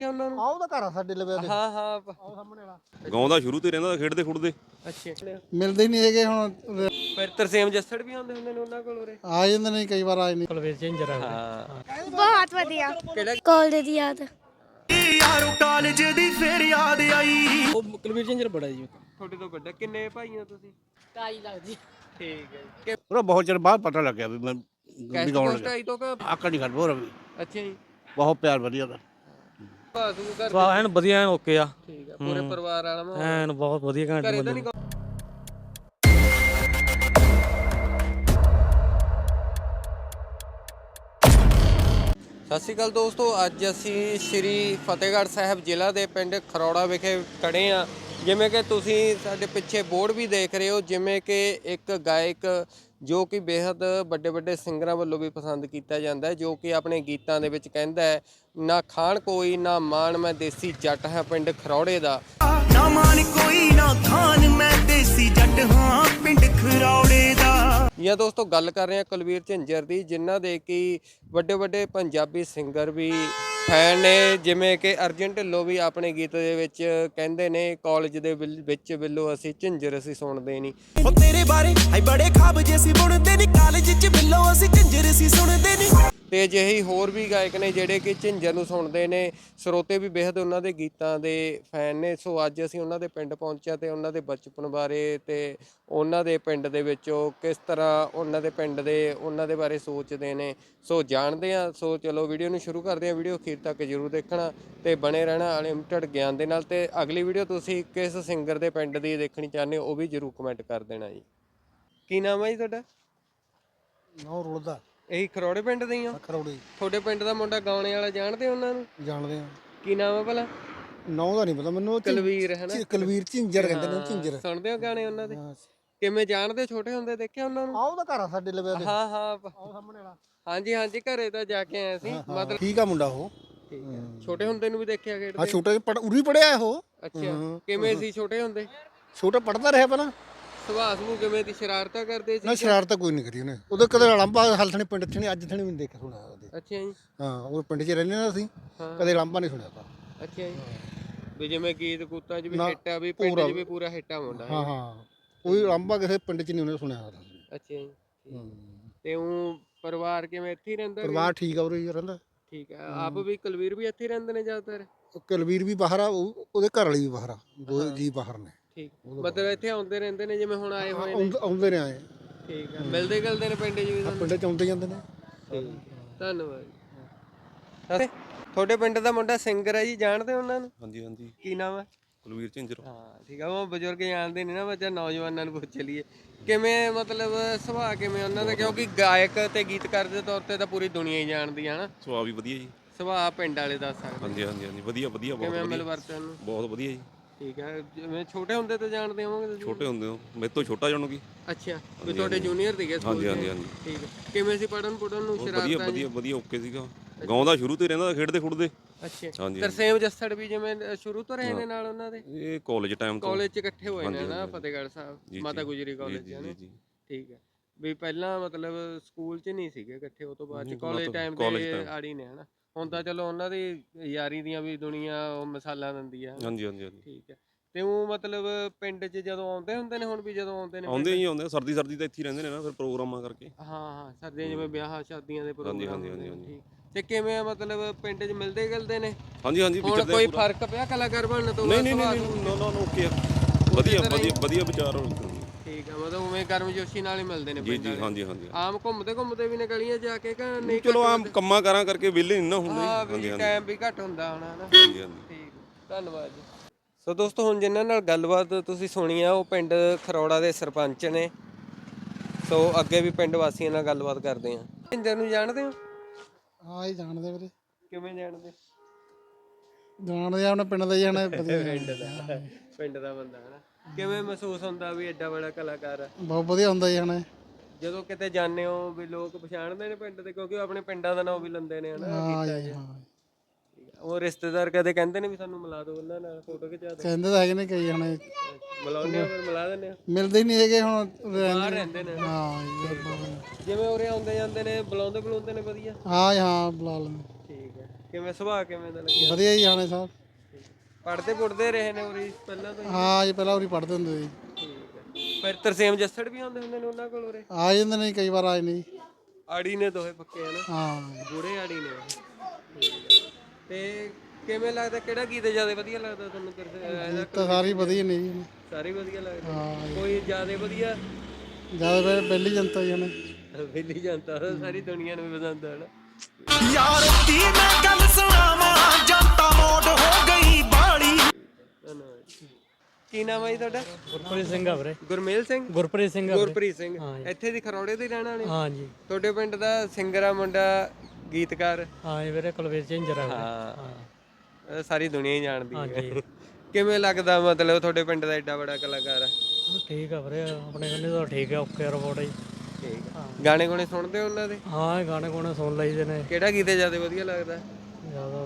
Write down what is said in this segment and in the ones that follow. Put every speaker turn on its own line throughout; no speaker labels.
ਦੇਖਿਆ ਉਹਨਾਂ ਨੂੰ?
ਉਹਦਾ ਘਰ ਆ ਸਾਡੇ ਲਵੇ ਦੇ।
ਹਾਂ ਹਾਂ
ਉਹ ਸਾਹਮਣੇ ਵਾਲਾ
ਗਾਉਂਦਾ ਸ਼ੁਰੂ ਤੇ ਰਹਿੰਦਾ ਖੇਡਦੇ ਖੁੱਡਦੇ।
ਅੱਛਾ
ਮਿਲਦੇ ਹੀ ਨਹੀਂ ਹੈਗੇ ਹੁਣ।
ਫਿਰ ਤਰਸੇਮ ਜੱਸੜ ਵੀ ਆਉਂਦੇ ਹੁੰਦੇ ਨੇ ਉਹਨਾਂ ਕੋਲ ਉਰੇ?
ਆ ਜਾਂਦੇ ਨੇ ਕਈ ਵਾਰ ਆਏ ਨਹੀਂ।
ਕੁਲਵੀਰ ਝਿੰਜਰ ਹਾਂ
ਬਹੁਤ ਵਧੀਆ
ਕਿਹੜਾ
ਕਾਲਜ ਦੀ ਯਾਦ
ਯਾਰੋ ਕਾਲਜ ਦੀ ਫੇਰ ਯਾਦ ਆਈ।
ਉਹ ਕੁਲਵੀਰ ਝਿੰਜਰ ਬੜਾ ਜੀ ਤੁਹਾਡੇ ਤੋਂ ਵੱਡਾ। ਕਿੰਨੇ ਭਾਈ ਹੋ ਤੁਸੀਂ?
ਕਾਈ ਲੱਗਦੀ
ਠੀਕ ਹੈ ਕਿ
ਉਹਦਾ ਬਹੁਤ ਚਿਰ ਬਾਅਦ ਪਤਾ ਲੱਗਿਆ ਵੀ ਮੈਂ
ਕੈਸਟ
ਗਾਉਣ
ਕੋਸਟ
ਲੱਗਾ।
ਆਈ ਤੋਂ ਕਿ
ਆਕੜ ਨਹੀਂ ਖੜ ਬੋਰ
ਅੱਛਾ ਜੀ
ਬਹੁਤ ਪਿਆਰ ਵਧੀਆ ਦਾ।
ਬਾਸੂ ਘਰ
ਸਵਾ ਐਨ ਵਧੀਆ ਐਨ ਓਕੇ ਆ
ਠੀਕ ਹੈ ਪੂਰੇ ਪਰਿਵਾਰ ਵਾਲਾ ਮਾਹੌਲ
ਐਨ ਬਹੁਤ ਵਧੀਆ ਘੈਂਟ
ਘਰੇ ਤਾਂ
ਬੰਦੇ
ਨਹੀਂ ਸਤਿ ਸ਼੍ਰੀ ਅਕਾਲ ਦੋਸਤੋ, ਅੱਜ ਅਸੀਂ ਸ਼੍ਰੀ ਫਤਿਹਗੜ੍ਹ ਸਾਹਿਬ ਜ਼ਿਲ੍ਹਾ ਦੇ ਪਿੰਡ ਖਰੌੜਾ ਵਿਖੇ ਖੜੇ ਆ। ਜਿਵੇਂ ਕਿ ਤੁਸੀਂ ਸਾਡੇ ਪਿੱਛੇ ਬੋਰਡ ਵੀ ਦੇਖ ਰਹੇ ਹੋ, ਜਿਵੇਂ ਕਿ ਇੱਕ ਗਾਇਕ ਜੋ ਕਿ ਬੇहद ਵੱਡੇ ਵੱਡੇ ਸਿੰਗਰਾਂ ਵੱਲੋਂ ਵੀ ਪਸੰਦ ਕੀਤਾ ਜਾਂਦਾ ਹੈ, ਜੋ ਕਿ ਆਪਣੇ ਗੀਤਾਂ ਦੇ ਵਿੱਚ ਕਹਿੰਦਾ ਹੈ ਨਾ ਖਾਣ ਕੋਈ ਨਾ ਮਾਣ ਮੈਂ ਦੇਸੀ ਜੱਟ ਹਾਂ ਪਿੰਡ ਖਰੌੜੇ ਦਾ।
ਨਾ ਮਾਨ ਕੋਈ ਨਾ ਖਾਨ ਮੈਂ ਦੇਸੀ ਜੱਟ ਹਾਂ ਪਿੰਡ ਖਰੌੜੇ ਦਾ।
ਜਾਂ ਦੋਸਤੋ ਗੱਲ ਕਰ ਰਹੇ ਹਾਂ ਕੁਲਵੀਰ ਝਿੰਜਰ ਦੀ, ਜਿਨ੍ਹਾਂ ਦੇ ਕਿ ਵੱਡੇ ਵੱਡੇ ਪੰਜਾਬੀ ਸਿੰਗਰ ਵੀ ਫੈਨ ਨੇ। ਜਿਵੇਂ ਕਿ ਅਰਜਨ ਢਿੱਲੋਂ ਵੀ ਆਪਣੇ ਗੀਤ ਦੇ ਵਿੱਚ ਕਹਿੰਦੇ ਨੇ ਕਾਲਜ ਦੇ ਵਿੱਚ ਬਿੱਲੋ ਅਸੀਂ ਝਿੰਜਰ ਅਸੀਂ ਸੁਣਦੇ ਨਹੀਂ।
ਉਹ ਤੇਰੇ ਬਾਰੇ ਹਾਈ ਬੜੇ ਖਾਬ ਜੇ ਸੀ ਬੁਣਦੇ ਨਹੀਂ, ਕਾਲਜ ਚ ਬਿੱਲੋ ਅਸੀਂ ਝੰਜਰ ਸੀ ਸੁਣਦੇ ਨਹੀਂ।
ਤੇ ਅਜਿਹੇ ਹੋਰ ਵੀ ਗਾਇਕ ਨੇ ਜਿਹੜੇ ਕਿ ਝਿੰਜਰ ਨੂੰ ਸੁਣਦੇ ਨੇ, ਸਰੋਤੇ ਵੀ ਬੇहद ਉਹਨਾਂ ਦੇ ਗੀਤਾਂ ਦੇ ਫੈਨ ਨੇ। ਸੋ ਅੱਜ ਅਸੀਂ ਉਹਨਾਂ ਦੇ ਪਿੰਡ ਪਹੁੰਚਿਆ ਤੇ ਉਹਨਾਂ ਦੇ ਬਚਪਨ ਬਾਰੇ ਤੇ ਉਹਨਾਂ ਦੇ ਪਿੰਡ ਦੇ ਵਿੱਚ ਉਹ ਕਿਸ ਤਰ੍ਹਾਂ ਉਹਨਾਂ ਦੇ ਪਿੰਡ ਦੇ ਉਹਨਾਂ ਦੇ ਬਾਰੇ ਸੋਚਦੇ ਨੇ, ਸੋ ਜਾਣਦੇ ਆ। ਸੋ ਚਲੋ ਵੀਡੀਓ ਨੂੰ ਸ਼ੁਰੂ ਕਰਦੇ ਆ। ਵੀਡੀਓ ਅਖੀਰ ਤੱਕ ਜ਼ਰੂਰ ਦੇਖਣਾ ਤੇ ਬਣੇ ਰਹਿਣਾ ਅਨਲਿਮਟਿਡ ਗਿਆਨ ਦੇ ਨਾਲ। ਤੇ ਅਗਲੀ ਵੀਡੀਓ ਤੁਸੀਂ ਕਿਸ ਸਿੰਗਰ ਦੇ ਪਿੰਡ ਦੀ ਦੇਖਣੀ ਚਾਹੁੰਦੇ ਹੋ ਉਹ ਵੀ ਜ਼ਰੂਰ ਕਮੈਂਟ ਕਰ ਦੇਣਾ ਜੀ। ਕੀ ਨਾਮ ਹੈ ਜੀ ਤੁਹਾਡਾ?
ਨੌ ਰੁਲਦਾ
ਇਹੀ ਖਰੌੜੇ ਪਿੰਡ ਦੇ ਹੀ ਹੋ?
ਖਰੌੜੀ
ਤੁਹਾਡੇ ਪਿੰਡ ਦਾ ਮੁੰਡਾ ਗਾਉਣੇ ਵਾਲਾ ਜਾਣਦੇ ਹੋ ਉਹਨਾਂ ਨੂੰ?
ਜਾਣਦੇ ਆ।
ਕੀ ਨਾਮ ਹੈ ਭਲਾ?
ਨੌ ਦਾ ਨਹੀਂ ਪਤਾ ਮੈਨੂੰ।
ਕੁਲਵੀਰ ਹੈ ਨਾ?
ਕੁਲਵੀਰ ਝਿੰਜਰ ਕਹਿੰਦੇ ਨੇ, ਝਿੰਜਰ।
ਸੁਣਦੇ ਹੋ ਗਾਣੇ ਉਹਨਾਂ ਦੇ?
ਹਾਂ।
ਕਿਵੇਂ ਜਾਣਦੇ? ਛੋਟੇ ਹੁੰਦੇ ਦੇਖਿਆ ਉਹਨਾਂ ਨੂੰ?
ਉਹਦਾ ਘਰ ਆ ਸਾਡੇ ਲਵੇ ਦੇ।
ਹਾਂ ਹਾਂ
ਉਹ ਸਾਹਮਣੇ ਵਾਲਾ।
ਹਾਂਜੀ ਹਾਂਜੀ ਘਰੇ ਤਾਂ ਜਾ ਕੇ ਆਏ ਸੀ। ਮਤਲਬ
ਠੀਕ ਆ ਮੁੰਡਾ ਉਹ।
ਠੀਕ ਹੈ। ਛੋਟੇ ਹੁੰਦੇ ਨੂੰ ਵੀ ਦੇਖਿਆ
ਹਾਂ
ਖੇਡਦੇ?
ਛੋਟੇ ਉਰੀ ਪੜਿਆ ਉਹ।
ਅੱਛਾ ਕਿਵੇਂ ਸੀ ਛੋਟੇ ਹੁੰਦੇ?
ਛੋਟਾ ਪੜਦਾ ਰਿਹਾ ਪਹਿਲਾਂ।
ਸੁਭਾਅ ਨੂੰ ਕਿਵੇਂ ਦੀ? ਸ਼ਰਾਰਤਾਂ ਕਰਦੇ
ਨਾ
ਸੀ?
ਸ਼ਰਾਰਤ ਕੋਈ ਨਹੀਂ ਕਰੀ ਉਹਨੇ। ਉਹਦੇ ਕਦੇ ਲੰਬਾ ਹਲਥਣੇ ਪਿੰਡ ਚ ਨਹੀਂ, ਅੱਜ ਥਣੇ ਵੀ ਨਹੀਂ ਦੇਖਿਆ ਸੁਣਿਆ ਉਹਦੇ।
ਅੱਛਾ ਜੀ।
ਹਾਂ ਉਹ ਪਿੰਡ 'ਚ ਰਹਿੰਦੇ ਨਾ ਅਸੀਂ, ਕਦੇ ਲੰਬਾ ਨਹੀਂ ਸੁਣਿਆ ਤਾਂ।
ਅੱਛਾ ਜੀ। ਵੀ ਜਿਵੇਂ ਗੀਤ ਕੂਤਾਂ 'ਚ ਵੀ
ਨਾ,
ਹਿੱਟ ਆ, ਵੀ ਪਿੰਡ 'ਚ ਵੀ ਪੂਰਾ ਹਿੱਟਾ ਮੁੰਡਾ ਹੈ।
ਹਾਂ ਹਾਂ ਕੋਈ ਲੰਬਾ ਕਿਸੇ ਪਿੰਡ 'ਚ ਨਹੀਂ ਉਹਨੇ ਸੁਣਿਆ।
ਅੱਛਾ ਜੀ। ਤੇ ਉਹ ਪਰਿਵਾਰ ਕਿਵੇਂ ਇੱਥੇ ਹੀ ਰਹਿੰਦਾ?
ਪਰਿਵਾਰ ਠੀਕ ਆ ਉਰੇ ਹੀ ਰਹਿੰਦਾ।
ਠੀਕ ਹੈ। ਆਪ ਵੀ ਕੁਲਵੀਰ ਵੀ ਇੱਥੇ ਹੀ ਰਹਿੰਦੇ ਨੇ ਜ਼ਿਆਦਾਤਰ?
ਕੁਲਵੀਰ ਵੀ ਬਾਹਰ ਆ, ਉਹਦੇ ਘਰ ਵਾਲੀ ਵੀ ਬਾਹਰ ਆ, ਦੋ ਜੀ ਬਾਹਰ ਨੇ।
ਠੀਕ ਮਤਲਬ ਇੱਥੇ ਆਉਂਦੇ ਰਹਿੰਦੇ ਨੇ ਜਿਵੇਂ ਹੁਣ ਆਏ ਹੋਏ ਨੇ?
ਆਉਂਦੇ ਨੇ ਆਏ।
ਠੀਕ ਹੈ। ਮਿਲਦੇ ਗਿਲਦੇ ਨੇ ਪਿੰਡ 'ਚ ਵੀ ਤੁਹਾਨੂੰ?
ਪਿੰਡ 'ਚ ਆਉਂਦੇ ਜਾਂਦੇ ਨੇ।
ਧੰਨਵਾਦ ਜੀ। ਤੁਹਾਡੇ ਪਿੰਡ ਦਾ ਮੁੰਡਾ ਸਿੰਗਰ ਹੈ ਜੀ, ਜਾਣਦੇ ਹੋ ਉਹਨਾਂ ਨੂੰ?
ਹਾਂਜੀ ਹਾਂਜੀ
ਕੀ ਨਾਮ ਹੈ?
ਕੁਲਵੀਰ ਝਿੰਜਰ।
ਹਾਂ ਠੀਕ ਆ। ਉਹ ਬਜ਼ੁਰਗ ਜਾਣਦੇ ਨਹੀਂ ਨਾ, ਬੱਚਾ ਨੌਜਵਾਨਾਂ ਨੂੰ ਪੁੱਛ ਲਈਏ ਕਿਵੇਂ ਮਤਲਬ ਸੁਭਾਅ ਕਿਵੇਂ ਉਹਨਾਂ ਦਾ, ਕਿਉਂਕਿ ਗਾਇਕ ਤੇ ਗੀਤਕਾਰ ਦੇ ਤੌਰ ਤੇ ਤਾਂ ਪੂਰੀ ਦੁਨੀਆ ਹੀ ਜਾਣਦੀ ਹੈ ਨਾ।
ਸੁਭਾਅ ਵੀ ਵਧੀਆ ਜੀ।
ਸੁਭਾਅ ਪਿੰਡ ਵਾਲੇ ਦੱਸ ਸਕਦੇ?
ਹਾਂਜੀ ਹਾਂਜੀ ਹਾਂਜੀ ਵਧੀਆ ਵਧੀਆ ਬਹੁਤ
ਕਿਵੇਂ ਮਿਲ
ਵਧੀਆ
ਵਰਤਨ ਨੂੰ?
ਬਹੁਤ ਵਧੀਆ ਜੀ।
ਠੀਕ ਹੈ। ਜਿਵੇਂ ਛੋਟੇ ਹੁੰਦੇ ਤੋਂ ਜਾਣਦੇ ਹੋਵੋਗੇ ਤੁਸੀਂ?
ਛੋਟੇ ਹੁੰਦੇ ਹੋ ਮੇਰੇ ਤੋਂ ਛੋਟਾ ਜਾਣੋ ਕੀ।
ਅੱਛਾ ਵੀ ਤੁਹਾਡੇ ਜੂਨੀਅਰ ਸੀਗੇ ਸਕੂਲ
ਹਾਂਜੀ ਹਾਂਜੀ
ਚ?
ਹਾਂਜੀ
ਠੀਕ ਹੈ। ਕਿਵੇਂ ਸੀ ਪੜਨ ਨੂੰ?
ਵਧੀਆ
ਸ਼ਰਾਰਤਾਂ
ਵਧੀਆ ਵਧੀਆ ਓਕੇ ਸੀਗਾ। ਗਾਉਂਦਾ ਸ਼ੁਰੂ ਤੇ ਰਹਿੰਦਾ ਖੇਡਦੇ ਖੁੱਡਦੇ।
ਅੱਛਾ
ਹਾਂਜੀ
ਤਰਸੇਮ ਜੱਸੜ ਵੀ ਜਿਵੇਂ ਸ਼ੁਰੂ ਤੋਂ ਰਹੇ ਨੇ ਨਾਲ ਉਹਨਾਂ ਦੇ?
ਇਹ ਕਾਲਜ ਟਾਈਮ ਤੋਂ
ਕਾਲਜ ਚ ਇਕੱਠੇ ਹੋਏ ਨੇ
ਹਾਂਜੀ,
ਨਾ
ਹਾਂਜੀ।
ਫਤਿਹਗੜ੍ਹ ਸਾਹਿਬ
ਜੀ,
ਮਾਤਾ
ਜੀ,
ਗੁਜਰੀ ਕਾਲਜ
ਜੀ
ਚ
ਜੀ
ਨਾ?
ਜੀ
ਠੀਕ ਹੈ। ਵੀ ਪਹਿਲਾਂ ਮਤਲਬ ਸਕੂਲ ਚ ਨਹੀਂ ਸੀਗੇ ਇਕੱਠੇ, ਉਹ ਤੋਂ ਬਾਅਦ ਚ
ਨਹੀਂ,
ਕਾਲਜ
ਤੋਂ-
ਟਾਈਮ
ਕਾਲਜ
ਦੇ
time।
ਆੜੀ ਨੇ ਹਨਾ। ਹੁਣ ਤਾਂ ਚਲੋ ਉਹਨਾਂ ਦੀ ਯਾਰੀ ਦੀਆਂ ਵੀ ਦੁਨੀਆ ਉਹ ਮਿਸਾਲਾਂ ਦਿੰਦੀ ਆ।
ਹਾਂਜੀ ਹਾਂਜੀ ਹਾਂਜੀ
ਠੀਕ ਹੈ। ਤੇ ਉਹ ਮਤਲਬ ਪਿੰਡ 'ਚ ਜਦੋਂ ਆਉਂਦੇ ਹੁੰਦੇ ਨੇ, ਹੁਣ ਵੀ ਜਦੋਂ ਆਉਂਦੇ ਨੇ
ਆਉਂਦੇ ਹੀ ਆਉਂਦੇ ਆ, ਸਰਦੀ ਸਰਦੀ ਤਾਂ ਇੱਥੇ ਹੀ ਰਹਿੰਦੇ ਨੇ ਨਾ ਫਿਰ ਪ੍ਰੋਗਰਾਮਾਂ ਕਰਕੇ।
ਹਾਂ ਹਾਂ ਸਰਦੀਆਂ ਜਿਵੇਂ ਵਿਆਹ ਸ਼ਾਦੀਆਂ ਦੇ ਪ੍ਰੋਗਰਾਮ
ਹਾਂਜੀ,
ਹੁੰਦੇ ਨੇ।
ਹਾਂਜੀ।
ਠੀਕ। ਤੇ ਕਿਵੇਂ ਮਤਲਬ ਪਿੰਡ 'ਚ ਮਿਲਦੇ ਗਿਲਦੇ ਨੇ?
ਹਾਂਜੀ ਹਾਂਜੀ
ਹੁਣ
ਵਿਚਰਦੇ
ਕੋਈ
ਪੂਰਾ।
ਫਰਕ ਪਿਆ ਕਲਾਕਾਰ ਬਣਨ ਤੋਂ
ਨਹੀਂ
ਬਾਅਦ?
ਨਹੀਂ
ਸੁਭਾਅ
ਨਹੀਂ
ਨੂੰ?
ਨੋ ਨੋ ਓਕੇ ਵਧੀਆ ਵਧੀਆ ਵਧੀਆ ਵਿਚਾਰ।
ਠੀਕ ਹੈ। ਮਤਲਬ ਉਵੇਂ ਗਰਮਜੋਸ਼ੀ ਨਾਲ ਹੀ ਮਿਲਦੇ ਨੇ
ਜੀ
ਪਿੰਡ
ਜੀ
ਵਾਲੇ?
ਹਾਂਜੀ ਹਾਂਜੀ
ਆਮ ਘੁੰਮਦੇ ਘੁੰਮਦੇ ਵੀ ਨੇ ਗਲੀਆਂ ਜਾ ਕੇ ਕਿ ਨਹੀਂ?
ਚਲੋ ਆਮ ਕੰਮਾਂ ਕਾਰਾਂ ਕਰਕੇ ਵਿਹਲੇ ਨਹੀਂ ਨਾ ਹੁੰਦੇ।
ਹਾਂ
ਹਾਂਜੀ
ਵੀ
ਹਾਂਜੀ
ਟਾਈਮ ਵੀ ਘੱਟ ਹੁੰਦਾ ਹੋਣਾ ਹਨਾ।
ਹਾਂਜੀ ਹਾਂਜੀ
ਠੀਕ। ਧੰਨਵਾਦ ਜੀ। ਸੋ ਦੋਸਤੋ ਹੁਣ ਜਿਨ੍ਹਾਂ ਨਾਲ ਗੱਲਬਾਤ ਤੁਸੀਂ ਸੁਣੀ ਆ ਉਹ ਪਿੰਡ ਖਰੌੜਾ ਦੇ ਸਰਪੰਚ ਨੇ। ਸੋ ਅੱਗੇ ਵੀ ਪਿੰਡ ਵਾਸੀਆਂ ਨਾਲ ਗੱਲਬਾਤ ਕਰਦੇ ਆ। ਝਿੰਜਰ ਨੂੰ ਜਾਣਦੇ ਹੋ?
ਹਾਂ ਇਹ ਜਾਣਦੇ ਵੀਰੇ।
ਕਿਵੇਂ ਜਾਣਦੇ?
ਜਾਣਦੇ ਆ, ਆਪਣੇ ਪਿੰਡ ਦਾ ਹੀ ਜਾਣਾ ਵਧੀਆ।
ਪਿੰਡ ਦਾ ਬੰਦਾ ਹਨਾ। ਕਿਵੇਂ ਮਹਿਸੂਸ ਹੁੰਦਾ ਵੀ ਐਡਾ ਬੜਾ ਕਲਾਕਾਰ ਆ?
ਬਹੁਤ ਵਧੀਆ ਹੁੰਦਾ ਜੀ ਜਾਣਾ।
ਜਦੋਂ ਕਿਤੇ ਜਾਂਦੇ ਹੋ ਵੀ ਲੋਕ ਪਛਾਣਦੇ ਨੇ ਪਿੰਡ ਦੇ, ਕਿਉਂਕਿ ਉਹ ਆਪਣੇ ਪਿੰਡਾਂ ਦਾ ਨਾਮ ਵੀ ਲੈਂਦੇ ਨੇ ਹਨਾ
ਹਾਂ
ਗੀਤਾਂ 'ਚ।
ਜੀ ਹਾਂ।
ਉਹ ਰਿਸ਼ਤੇਦਾਰ ਕਦੇ ਕਹਿੰਦੇ ਨੇ ਵੀ ਸਾਨੂੰ ਮਿਲਾ ਦਿਓ ਉਹਨਾਂ ਨਾਲ, ਫੋਟੋ ਖਿਚਾ ਦਿਓ?
ਕਹਿੰਦੇ ਤਾਂ ਹੈਗੇ ਨੇ ਕਈ ਜਾਣੇ।
ਮਿਲਾਉਂਦੇ ਹੋ ਫਿਰ? ਮਿਲਾ ਦਿੰਦੇ ਹੋ?
ਮਿਲਦੇ ਹੀ ਨਹੀਂ ਹੈਗੇ ਹੁਣ।
ਬਾਹਰ ਰਹਿੰਦੇ ਨੇ?
ਹਾਂ ਜੀ।
ਜਿਵੇਂ ਉਰੇ ਆਉਂਦੇ ਜਾਂਦੇ ਨੇ ਬੁਲਾਉਂਦੇ ਨੇ ਵਧੀਆ?
ਹਾਂ ਹਾਂ ਬੁਲਾ ਲੈਂਦੇ।
ਠੀਕ ਹੈ। ਕਿਵੇਂ ਸੁਭਾਅ ਕਿਵੇਂ ਦਾ ਲੱਗਿਆ?
ਵਧੀਆ ਜੀ ਆਣੇ ਸਾਹਿਬ।
ਪੜ੍ਹਦੇ ਪੁੱੜਦੇ ਰਹੇ ਨੇ ਉਰੀ ਪਹਿਲਾਂ ਤੋਂ ਹੀ?
ਹਾਂ ਜੀ ਪਹਿਲਾਂ ਉਰੀ ਪੜ੍ਹਦੇ ਹੁੰਦੇ ਸੀ।
ਠੀਕ ਹੈ। ਫਿਰ ਤਰਸੇਮ ਜੱਸੜ ਵੀ ਆਉਂਦੇ ਹੁੰਦੇ ਨੇ ਉਹਨਾਂ ਕੋਲ ਉਰੇ?
ਆ ਜਾਂਦੇ ਨੇ ਕਈ ਵਾਰ ਆਏ ਨੇ ਜੀ।
ਆੜੀ ਨੇ ਦੋਹੇ ਪੱਕੇ ਹਨ,
ਹਾਂ
ਬੁੜੇ ਆੜੀ ਨੇ ਉਹ। ਤੇ ਕਿਵੇਂ ਲੱਗਦਾ ਕਿਹੜਾ ਗੀਤ ਜ਼ਿਆਦਾ ਵਧੀਆ ਲੱਗਦਾ ਤੁਹਾਨੂੰ? ਇਹਦਾ
ਤਾਂ ਸਾਰੀ ਵਧੀਆ ਨੇ ਜੀ।
ਸਾਰੇ ਵਧੀਆ ਲੱਗਦੇ?
ਹਾਂ
ਕੋਈ ਜ਼ਿਆਦਾ ਵਧੀਆ?
ਜਿਆਦਾ ਪਹਿਲੀ ਜਨਤਾ ਜੀ ਨੇ।
ਵੇਲੀ ਜਨਤਾ ਸਾਰੀ ਦੁਨੀਆ ਨੂੰ ਵੀ ਪਸੰਦ ਹੈ ਨਾ।
ਯਾਰ ਦੀ ਮੈਂ ਗੱਲ ਸੁਣਾਵਾਂ ਜਨਤਾ ਮੋੜ ਹੋ ਗਈ ਬਾੜੀ।
ਧੰਨਵਾਦ। ਕੀ ਨਾਮ ਹੈ ਜੀ ਤੁਹਾਡਾ?
ਗੁਰਪ੍ਰੀਤ ਸਿੰਘ ਆ ਵੀਰੇ।
ਗੁਰਮੇਲ ਸਿੰਘ?
ਗੁਰਪ੍ਰੀਤ ਸਿੰਘ ਆ ਵੀਰੇ।
ਗੁਰਪ੍ਰੀਤ ਸਿੰਘ ਇੱਥੇ ਦੀ ਖਰੌੜੇ ਦੇ ਰਹਿਣ ਵਾਲੇ?
ਹਾਂ ਜੀ
ਤੁਹਾਡੇ ਪਿੰਡ ਦਾ ਸਿੰਗਰ ਆ ਮੁੰਡਾ, ਗੀਤਕਾਰ?
ਹਾਂ ਜੀ ਵੀਰੇ, ਕੁਲਵੀਰ ਝਿੰਜਰ ਆ ਵੀਰੇ।
ਹਾਂ ਸਾਰੀ ਦੁਨੀਆ ਹੀ ਜਾਣਦੀ ਹੈ।
ਹਾਂਜੀ।
ਕਿਵੇਂ ਲੱਗਦਾ ਮਤਲਬ ਤੁਹਾਡੇ ਪਿੰਡ ਦਾ ਏਡਾ ਬੜਾ ਕਲਾਕਾਰ ਆ?
ਠੀਕ ਆ ਵੀਰੇ, ਆਪਣੇ ਕੰਨੇ ਤਾਂ ਠੀਕ ਆ, ਓਕੇ ਰਿਪੋਰਟ ਜੀ।
ਠੀਕ ਆ। ਗਾਣੇ ਗੁਣੇ ਸੁਣਦੇ ਹੋ ਉਹਨਾਂ ਦੇ?
ਹਾਂ ਇਹ ਗਾਣੇ ਗੁਣੇ ਸੁਣ ਲਈਦੇ ਨੇ।
ਕਿਹੜਾ ਗੀਤ ਜ਼ਿਆਦਾ ਵਧੀਆ ਲੱਗਦਾ?
ਜ਼ਿਆਦਾ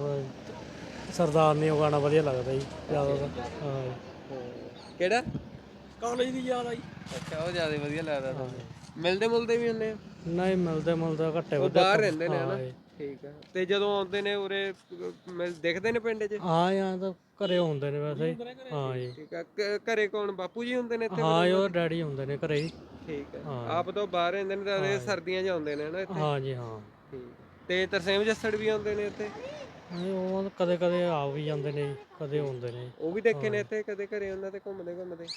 ਤਾਂ ਸਰਦਾਰ ਨੇ ਉਹ ਗਾਣਾ ਵਧੀਆ ਲੱਗਦਾ ਜੀ ਜ਼ਿਆਦਾ ਤਾਂ। ਹਾਂ ਜੀ।
ਕਿਹੜਾ?
ਕਾਲਜ ਦੀ ਯਾਦ ਆਈ।
ਅੱਛਾ ਉਹ ਜ਼ਿਆਦਾ ਵਧੀਆ ਲੱਗਦਾ ਤੁਹਾਨੂੰ? ਮਿਲਦੇ ਮੁਲਦੇ ਵੀ ਹੁੰਦੇ ਆ?
ਨਹੀਂ ਮਿਲਦੇ ਘੱਟੇ
ਉਹ
ਵੱਧੇ।
ਬਾਹਰ ਰਹਿੰਦੇ ਨੇ ਹਨਾ?
ਹਾਂ ਜੀ।
ਠੀਕ ਆ। ਤੇ ਜਦੋਂ ਆਉਂਦੇ ਨੇ ਉਰੇ ਦਿਖਦੇ ਨੇ ਪਿੰਡ 'ਚ?
ਹਾਂ ਜਾਂ ਤਾਂ ਘਰੇ ਹੁੰਦੇ ਨੇ ਵੈਸੇ ਹੀ। ਹਾਂ ਜੀ।
ਠੀਕ ਆ। ਘਰੇ ਕੌਣ ਬਾਪੂ ਜੀ ਹੁੰਦੇ ਨੇ ਇੱਥੇ?
ਹਾਂ ਜੀ, ਉਹ ਡੈਡੀ ਹੁੰਦੇ ਨੇ ਘਰੇ ਹੀ।
ਠੀਕ ਆ। ਆਪ ਤਾਂ ਬਾਹਰ ਰਹਿੰਦੇ ਨੇ ਤਾਂ ਇਹ ਸਰਦੀਆਂ 'ਚ ਆਉਂਦੇ ਨੇ ਹਨਾ ਇੱਥੇ?
ਹਾਂ ਜੀ ਹਾਂ।
ਠੀਕ। ਤੇ ਤਰਸੇਮ ਜੱਸੜ ਵੀ ਆਉਂਦੇ ਨੇ ਇੱਥੇ?
ਉਹ ਕਦੇ ਕਦੇ ਆ ਵੀ ਜਾਂਦੇ ਨੇ ਜੀ, ਕਦੇ ਹੁੰਦੇ ਨੇ।
ਉਹ ਵੀ ਦੇਖੇ ਨੇ ਇੱਥੇ ਕਦੇ ਘਰੇ ਉਹਨਾਂ ਤੇ ਘੁੰਮਦੇ?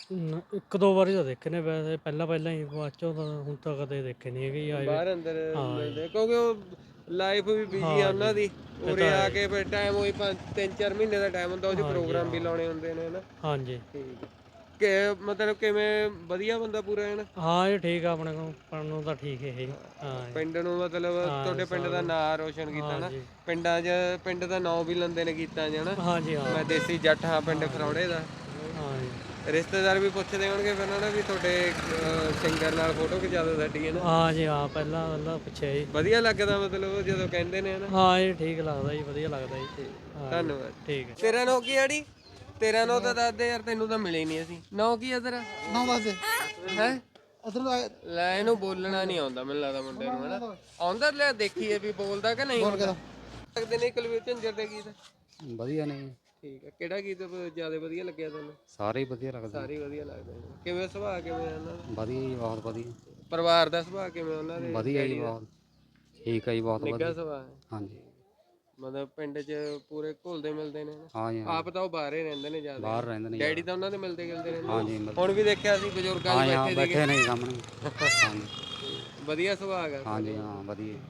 ਇੱਕ ਦੋ ਵਾਰੀ ਤਾਂ ਦੇਖੇ ਨੇ ਵੈਸੇ, ਪਹਿਲਾਂ ਹੀ, ਬਾਅਦ ਚੋਂ ਤਾਂ ਹੁਣ ਤਾਂ ਕਦੇ ਦੇਖੇ ਨਹੀਂ ਹੈਗੇ ਆਏ।
ਬਾਹਰ ਅੰਦਰ ਮਿਲਦੇ ਕਿਉਂਕਿ ਉਹ ਲਾਈਫ ਵੀ ਬਿਜੀ ਆ ਉਹਨਾਂ ਦੀ। ਉਰੇ ਆ ਕੇ ਫਿਰ ਟਾਈਮ ਉਹੀ 3-4 ਮਹੀਨੇ ਦਾ ਟਾਈਮ ਹੁੰਦਾ, ਉਹ 'ਚ ਪ੍ਰੋਗਰਾਮ ਵੀ ਲਾਉਣੇ ਹੁੰਦੇ ਨੇ ਹਨਾ?
ਹਾਂਜੀ।
ਠੀਕ ਕਿ ਮਤਲਬ ਕਿਵੇਂ ਵਧੀਆ ਬੰਦਾ ਪੂਰਾ ਹੈ ਨਾ?
ਹਾਂ ਇਹ ਠੀਕ ਆ, ਆਪਣੇ ਕੋਲ ਪੜਨ ਨੂੰ ਤਾਂ ਠੀਕ ਹੈ ਇਹ। ਹਾਂ
ਪਿੰਡ ਨੂੰ ਮਤਲਬ ਤੁਹਾਡੇ ਪਿੰਡ ਦਾ ਨਾਂ ਰੋਸ਼ਨ ਕੀਤਾ ਨਾ ਪਿੰਡਾਂ 'ਚ, ਪਿੰਡ ਦਾ ਨਾਂ ਵੀ ਲੈਂਦੇ ਨੇ ਗੀਤਾਂ 'ਚ ਹਨਾ?
ਹਾਂਜੀ ਹਾਂ।
ਮੈਂ ਦੇਸੀ ਜੱਟ ਹਾਂ ਪਿੰਡ ਖਰੌੜੇ ਦਾ।
ਹਾਂ ਜੀ।
ਰਿਸ਼ਤੇਦਾਰ ਵੀ ਪੁੱਛਦੇ ਹੋਣਗੇ ਫਿਰ ਨਾ ਵੀ ਤੁਹਾਡੇ ਸਿੰਗਰ ਨਾਲ ਫੋਟੋ ਖਿਚਾ ਦਿਓ ਸਾਡੀ ਹਨਾ?
ਹਾਂ ਜੀ ਹਾਂ, ਪਹਿਲਾਂ ਪੁੱਛਿਆ ਜੀ।
ਵਧੀਆ ਲੱਗਦਾ ਮਤਲਬ ਜਦੋਂ ਕਹਿੰਦੇ ਨੇ ਹਨਾ?
ਹਾਂ ਇਹ ਠੀਕ ਲੱਗਦਾ ਜੀ, ਵਧੀਆ ਲੱਗਦਾ ਜੀ।
ਧੰਨਵਾਦ।
ਠੀਕ ਹੈ।
ਤੇਰਾ ਨਾਂ ਕੀ ਆੜੀ? ਤੇਰਾ ਨਾਂ ਤਾਂ ਦੱਸ ਦੇ ਯਾਰ, ਤੈਨੂੰ ਤਾਂ ਮਿਲੇ ਨਹੀਂ ਅਸੀਂ। ਨਾਂ ਕੀ ਆ ਤੇਰਾ?
ਨਾ ਬਸ
ਹੈ
ਅਦਰ
ਲੈ ਇਹਨੂੰ ਬੋਲਣਾ ਨਹੀਂ ਆਉਂਦਾ ਮੈਨੂੰ ਲੱਗਦਾ ਮੁੰਡੇ ਨੂੰ ਹਨਾ? ਆਉਂਦਾ? ਲੈ ਦੇਖੀਏ ਵੀ ਬੋਲਦਾ ਕਿ ਨਹੀਂ ਆਉਂਦਾ। ਲੱਗਦੇ ਨੇ ਕੁਲਵੀਰ ਝਿੰਜਰ ਦੇ ਗੀਤ?
ਵਧੀਆ ਨੇ।
ਠੀਕ ਹੈ। ਕਿਹੜਾ ਗੀਤ ਜ਼ਿਆਦਾ ਵਧੀਆ ਲੱਗਿਆ ਤੁਹਾਨੂੰ?
ਸਾਰੇ ਹੀ ਵਧੀਆ ਲੱਗਦੇ।
ਸਾਰੇ ਹੀ ਵਧੀਆ ਲੱਗਦੇ ਨੇ। ਕਿਵੇਂ ਸੁਭਾਅ ਕਿਵੇਂ ਆ ਉਹਨਾਂ ਦਾ?
ਵਧੀਆ ਜੀ, ਬਹੁਤ ਵਧੀਆ।
ਪਰਿਵਾਰ ਦਾ ਸੁਭਾਅ ਕਿਵੇਂ ਉਹਨਾਂ ਦੇ?
ਵਧੀਆ ਜੀ, ਬਹੁਤ ਠੀਕ ਹੈ ਜੀ, ਬਹੁਤ
ਨਿੱਘਾ
ਵਧੀਆ।
ਸੁਭਾਅ ਹੈ?
ਹਾਂਜੀ
ਮਤਲਬ ਪਿੰਡ 'ਚ ਪੂਰੇ ਘੁਲਦੇ ਮਿਲਦੇ ਨੇ ਨਾ?
ਹਾਂ ਜੀ ਹਾਂ।
ਆਪ ਤਾਂ ਉਹ ਬਾਹਰ ਹੀ ਰਹਿੰਦੇ ਨੇ ਜ਼ਿਆਦਾ?
ਬਾਹਰ ਰਹਿੰਦੇ ਨੇ।
ਡੈਡੀ ਤਾਂ ਉਹਨਾਂ ਦੇ ਮਿਲਦੇ ਗਿਲਦੇ ਰਹਿੰਦੇ?
ਹਾਂ ਜੀ
ਹੁਣ ਵੀ ਦੇਖਿਆ ਸੀ ਬਜ਼ੁਰਗਾਂ
ਹਾਂ
ਦੇ
ਜੀ ਹਾਂ,
ਬੈਠੇ ਸੀਗੇ।
ਬੈਠੇ ਨੇ ਸਾਹਮਣੇ। ਹਾਂਜੀ
ਵਧੀਆ ਸੁਭਾਅ ਹੈ?
ਹਾਂ ਜੀ ਹਾਂ, ਵਧੀਆ।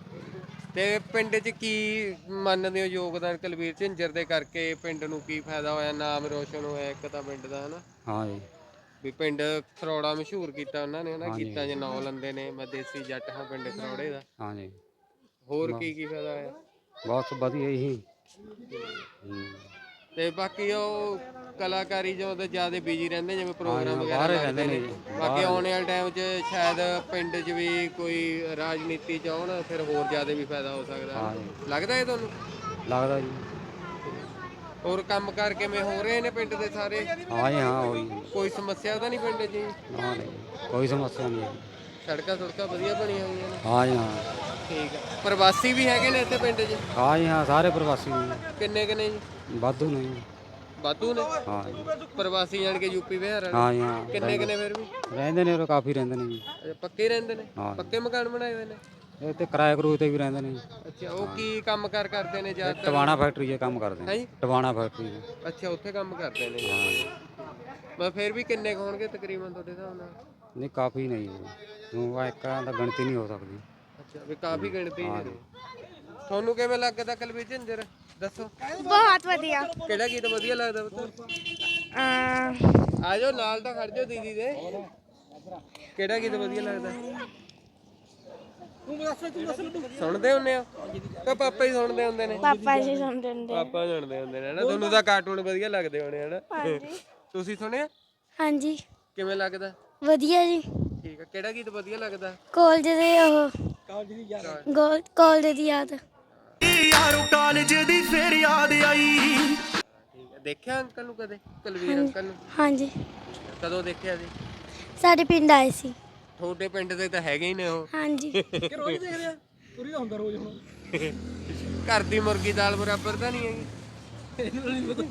ਤੇ ਪਿੰਡ 'ਚ ਕੀ ਮੰਨਦੇ ਹੋ ਯੋਗਦਾਨ ਕੁਲਵੀਰ ਝਿੰਜਰ ਦੇ ਕਰਕੇ? ਪਿੰਡ ਨੂੰ ਕੀ ਫਾਇਦਾ ਹੋਇਆ? ਨਾਮ ਰੋਸ਼ਨ ਹੋਇਆ ਇੱਕ ਤਾਂ ਪਿੰਡ ਦਾ ਹਨਾ?
ਹਾਂ ਜੀ।
ਵੀ ਪਿੰਡ ਖਰੌੜਾ ਮਸ਼ਹੂਰ ਕੀਤਾ ਉਹਨਾਂ ਨੇ ਹਨਾ? ਗੀਤਾਂ 'ਚ ਨਾਂ ਲੈਂਦੇ ਨੇ, ਮੈਂ ਦੇਸੀ ਜੱਟ ਹਾਂ ਪਿੰਡ ਖਰੌੜੇ ਦਾ।
ਹਾਂ ਜੀ।
ਹੋਰ ਕੀ ਫਾਇਦਾ ਹੋਇਆ?
ਬਹੁਤ ਵਧੀਆ ਹੀ।
ਤੇ ਬਾਕੀ ਉਹ ਕਲਾਕਾਰੀ ਜੋ ਤੇ ਜਿਆਦਾ ਬਿਜੀ ਰਹਿੰਦੇ, ਜਿਵੇਂ ਪ੍ਰੋਗਰਾਮ ਵਗੈਰਾ
ਬਾਹਰ
ਲੱਗਦੇ
ਰਹਿੰਦੇ
ਨੇ।
ਨੇ।
ਬਾਕੀ ਆਉਣ ਵਾਲੇ ਟਾਈਮ 'ਚ ਸ਼ਾਇਦ ਪਿੰਡ 'ਚ ਵੀ ਕੋਈ ਰਾਜਨੀਤੀ 'ਚ ਆਉਣ, ਫਿਰ ਹੋਰ ਜ਼ਿਆਦਾ ਵੀ ਫਾਇਦਾ ਹੋ ਸਕਦਾ
ਹਾਂ
ਹੈ।
ਜੀ।
ਲੱਗਦਾ ਇਹ ਤੁਹਾਨੂੰ?
ਲੱਗਦਾ ਜੀ।
ਹੋਰ ਕੰਮ ਕਾਰ ਕਿਵੇਂ ਹੋ ਰਹੇ ਨੇ ਪਿੰਡ ਦੇ ਸਾਰੇ?
ਹਾਂ ਜੀ ਹਾਂ, ਹੋਈ।
ਕੋਈ ਸਮੱਸਿਆ ਤਾਂ ਨਹੀਂ ਪਿੰਡ 'ਚ ਜੀ?
ਹਾਂ ਨਹੀਂ, ਕੋਈ ਸਮੱਸਿਆ ਨਹੀਂ ਹੈ।
ਸੜਕਾਂ ਵਧੀਆ ਬਣੀਆਂ ਹੋਈਆਂ ਨੇ?
ਹਾਂ ਜੀ ਹਾਂ।
ਠੀਕ ਹੈ। ਪ੍ਰਵਾਸੀ ਵੀ ਹੈਗੇ ਨੇ ਇੱਥੇ ਪਿੰਡ 'ਚ?
ਹਾਂ ਜੀ ਹਾਂ, ਸਾਰੇ ਪ੍ਰਵਾਸੀ ਨੇ।
ਕਿੰਨੇ ਨੇ ਜੀ?
ਵਾਧੂ ਨੇ ਜੀ।
ਵਾਧੂ ਨੇ?
ਹਾਂ ਜੀ।
ਪ੍ਰਵਾਸੀ ਜਾਣ ਕੇ ਯੂਪੀ ਬਿਹਾਰ ਵਾਲੇ?
ਹਾਂ ਜੀ ਹਾਂ,
ਕਿੰਨੇ ਫਿਰ ਵੀ?
ਰਹਿੰਦੇ ਨੇ ਉਹ, ਕਾਫੀ ਰਹਿੰਦੇ ਨੇ ਜੀ।
ਅੱਛਾ, ਪੱਕੇ ਰਹਿੰਦੇ ਨੇ?
ਹਾਂ।
ਪੱਕੇ ਮਕਾਨ ਬਣਾਏ ਹੋਏ ਨੇ?
ਇਹ ਤੇ ਕਿਰਾਏ ਕਰੂਏ ਤੇ ਵੀ ਰਹਿੰਦੇ ਨੇ ਜੀ।
ਅੱਛਾ, ਉਹ ਕੀ ਕੰਮ ਕਾਰ ਕਰਦੇ ਨੇ ਜ਼ਿਆਦਾਤਰ?
ਟਵਾਣਾ ਫੈਕਟਰੀ 'ਚ ਕੰਮ ਕਰਦੇ
ਹੈ
ਨੇ।
ਜੀ?
ਟਵਾਣਾ ਫੈਕਟਰੀ 'ਚ।
ਅੱਛਾ, ਉੱਥੇ ਕੰਮ ਕਰਦੇ ਨੇ? ਮੈਂ ਫਿਰ ਵੀ ਕਿੰਨੇ ਕੁ ਹੋਣਗੇ ਤਕਰੀਬਨ ਤੁਹਾਡੇ ਹਿਸਾਬ ਨਾਲ?
ਨਹੀਂ, ਕਾਫੀ ਨਹੀਂ ਜੀ। ਉਹ ਇੱਕ ਦਾ ਗਿਣਤੀ ਨਹੀਂ ਹੋ ਸਕਦੀ।
ਅੱਛਾ, ਵੀ ਕਾਫੀ ਗਿਣਤੀ ਨੇ। ਤੁਹਾਨੂੰ ਕਿਵੇਂ ਲੱਗਦਾ ਕੁਲਵੀਰ ਝਿੰਜਰ? ਦੱਸੋ।
ਬਹੁਤ ਵਧੀਆ।
ਕਿਹੜਾ ਗੀਤ ਵਧੀਆ ਲੱਗਦਾ ਪੁੱਤ? ਆ ਜਾਓ ਨਾਲ ਤਾਂ ਖੜ ਜਾਓ ਦੀਦੀ ਦੇ। ਕਿਹੜਾ ਗੀਤ ਵਧੀਆ ਲੱਗਦਾ? ਸੁਣਦੇ ਹੁੰਦੇ ਆ ਕਿ ਪਾਪਾ ਹੀ ਸੁਣਦੇ ਹੁੰਦੇ ਨੇ?
ਪਾਪਾ ਜੀ ਸੁਣਦੇ ਹੁੰਦੇ।
ਪਾਪਾ ਸੁਣਦੇ ਹੁੰਦੇ ਨੇ ਨਾ? ਤੁਹਾਨੂੰ ਤਾਂ ਕਾਰਟੂਨ ਵਧੀਆ ਲੱਗਦੇ ਹੋਣੇ ਹਨਾ? ਤੁਸੀਂ ਸੁਣਿਆ?
ਹਾਂਜੀ
ਕਿਵੇਂ ਲੱਗਦਾ?
ਵਧੀਆ ਜੀ।
ਠੀਕ ਆ। ਕਿਹੜਾ ਗੀਤ ਵਧੀਆ ਲੱਗਦਾ?
ਕਾਲਜ ਦੇ ਉਹ ਕਾਲਜ ਦੀ ਯਾਦ।
ਯਾਰੋ ਕਾਲਜ ਦੀ ਫੇਰ ਯਾਦ ਆਈ।
ਠੀਕ ਆ। ਦੇਖਿਆ ਅੰਕਲ ਨੂੰ ਕਦੇ? ਕੁਲਵੀਰ ਅੰਕਲ ਨੂੰ?
ਹਾਂਜੀ
ਕਦੋਂ ਦੇਖਿਆ ਸੀ?
ਸਾਡੇ ਪਿੰਡ ਆਏ ਸੀ।
ਤੁਹਾਡੇ ਪਿੰਡ ਦੇ ਤਾਂ ਹੈਗੇ ਹੀ ਨੇ ਉਹ।
ਹਾਂਜੀ।
ਤੁਰੀ ਦਾ ਹੁੰਦਾ ਰੋਜ਼ ਹੁਣ
ਘਰ ਦੀ ਮੁਰਗੀ ਦਾਲ ਬਰਾਬਰ ਤਾਂ ਨਹੀਂ ਹੈਗੀ।
ਇਹਨੂੰ ਨਹੀਂ ਪਤਾ।